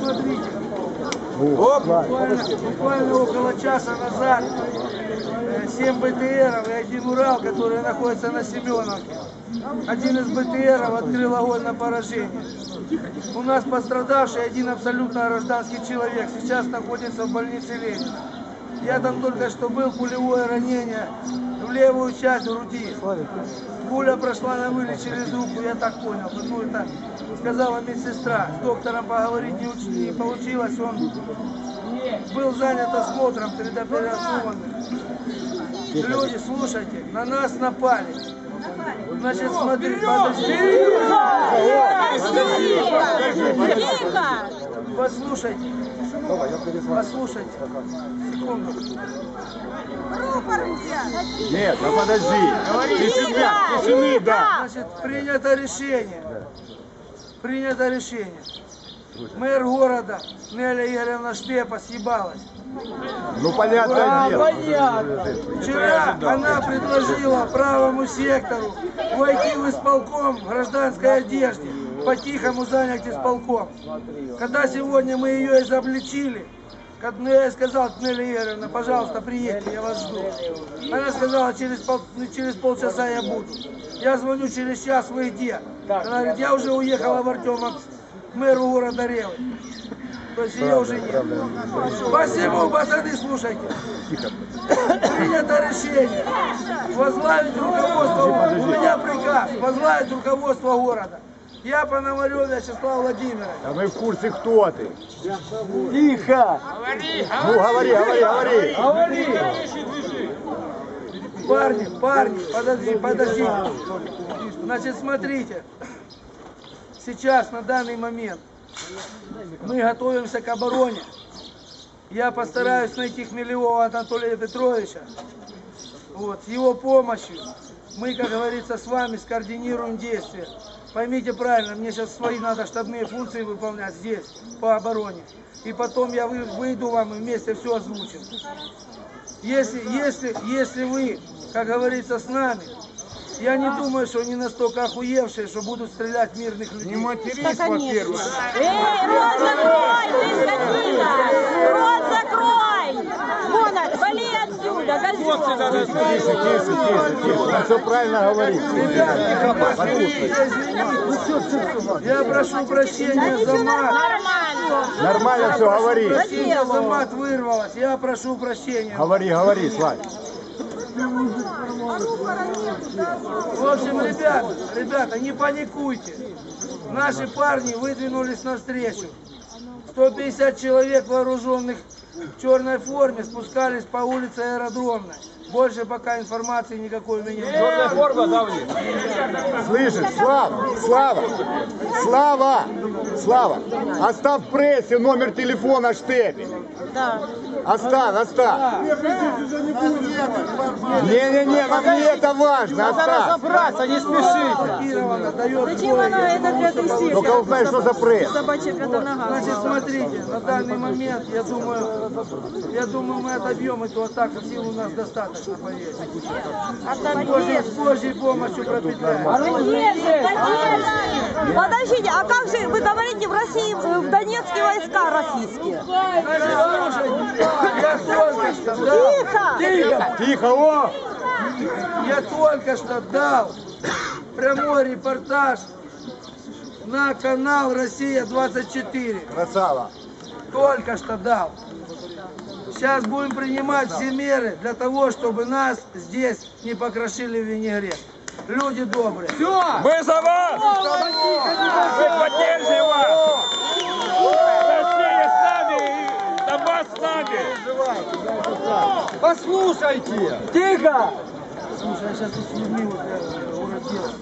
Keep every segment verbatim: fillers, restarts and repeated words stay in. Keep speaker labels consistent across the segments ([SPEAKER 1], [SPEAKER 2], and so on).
[SPEAKER 1] смотрите. Буквально, буквально около часа назад семь БТРов и один Урал, которые находятся на Семеновке. Один из БТРов открыл огонь на поражение. У нас пострадавший один абсолютно гражданский человек. Сейчас находится в больнице Ленина. Я там только что был, пулевое ранение в левую часть груди. Пуля прошла на вылет через руку, я так понял. Потому это сказала медсестра. С доктором поговорить не, уч... не получилось. Он был занят осмотром предоперационным. Люди, слушайте, на нас напали. Значит, смотри, подожди. Послушайте. Послушайте. Секунду.
[SPEAKER 2] Нет, ну подожди. Тишина, тишины, да.
[SPEAKER 1] Значит, принято решение. Принято решение. Мэр города Неля Игоревна Штепа съебалась.
[SPEAKER 2] Ну понятно.
[SPEAKER 1] А, понятно. Вчера она предложила правому сектору войти в исполком в гражданской одежде, по-тихому занять исполком. Когда сегодня мы ее изобличили, я ей сказал: Неля Игоревна, пожалуйста, приедьте, я вас жду. Она сказала: через, пол, через полчаса я буду. Я звоню через час: вы где? Она говорит: я уже уехала в Артемов к мэру города Ревы. То есть ее уже нет. Посему, пацаны, слушайте. Принято решение возглавить руководство, у меня приказ, возглавить руководство города. Я Пономарев Вячеслав Владимирович.
[SPEAKER 2] А мы в курсе, кто ты.
[SPEAKER 1] Тихо!
[SPEAKER 2] Ну говори, говори, говори.
[SPEAKER 1] Говори! Парни, парни, подожди, подожди. Значит, смотрите. Сейчас, на данный момент, мы готовимся к обороне. Я постараюсь найти Хмелевого Анатолия Петровича. Вот, с его помощью мы, как говорится, с вами скоординируем действия. Поймите правильно, мне сейчас свои надо штабные функции выполнять здесь, по обороне. И потом я выйду вам и вместе все озвучим. Если, если, если вы, как говорится, с нами, я не думаю, что они настолько охуевшие, что будут стрелять в мирных людей.
[SPEAKER 2] Не матерись, во-первых.
[SPEAKER 3] Эй, рот закрой, ты скотина! Рот закрой! Вон, вали отсюда, козёл!
[SPEAKER 2] Тише, тише, тише, тише. Он все правильно говорит.
[SPEAKER 1] Я прошу прощения за мат.
[SPEAKER 3] Нормально!
[SPEAKER 2] Нормально все говори.
[SPEAKER 1] Прощения за мат вырвалось. Я прошу прощения.
[SPEAKER 2] Говори, говори, Славь.
[SPEAKER 1] В общем, ребята, ребята, не паникуйте. Наши парни выдвинулись навстречу. сто пятьдесят человек, вооруженных в черной форме, спускались по улице Аэродромной. Больше пока информации никакой у меня нет.
[SPEAKER 4] Черная форма, да, у них?
[SPEAKER 2] Слышишь, Слава, Слава, Слава, Слава, оставь в прессе номер телефона Штепи.
[SPEAKER 3] Да.
[SPEAKER 2] Оставь, оставь. Не-не-не, нам не это важно, оставь.
[SPEAKER 4] Разобраться, не спешите.
[SPEAKER 1] Кирована дает
[SPEAKER 3] Зачем
[SPEAKER 1] бой.
[SPEAKER 3] она это для тысячи?
[SPEAKER 2] Ну-ка узнай, что за пресс.
[SPEAKER 3] Собачья пята нога.
[SPEAKER 1] Значит, смотрите, на данный момент, я думаю, я думаю, мы отобьем эту атаку, сил у нас достаточно, поверьте. Позже, с Божьей помощью пропитаем.
[SPEAKER 3] Подождите, а как же вы говорите, в России, в Донецке войска российские?
[SPEAKER 1] Я только что дал,
[SPEAKER 3] Тихо!
[SPEAKER 2] Тихо, о!
[SPEAKER 1] я только что дал прямой репортаж на канал Россия двадцать четыре.
[SPEAKER 2] Красава.
[SPEAKER 1] Только что дал. Сейчас будем принимать все меры для того, чтобы нас здесь не покрошили в винегрет. Люди добрые.
[SPEAKER 4] Все!
[SPEAKER 5] Мы за вас! Мы поддержим вас! Россия с нами и Донбасс с нами!
[SPEAKER 4] Послушайте!
[SPEAKER 1] Тихо! Слушай, я сейчас тут с людьми вот я уродился.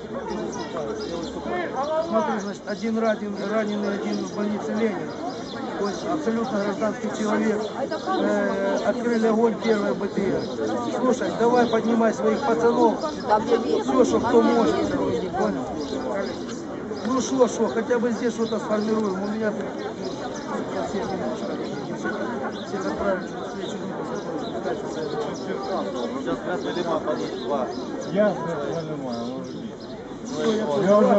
[SPEAKER 1] Смотри, значит, один ранен, раненый, один в больнице Ленина. То есть абсолютно гражданский человек. Э, открыли огонь первый БТР. Слушай, давай поднимай своих пацанов. Все, что кто может. Понял? Ну что, что, хотя бы здесь что-то сформируем. У меня тут все немножко. Всех отправили на встречу.
[SPEAKER 4] Сейчас Красный Лиман подъедет.
[SPEAKER 2] Я понимаю, может быть.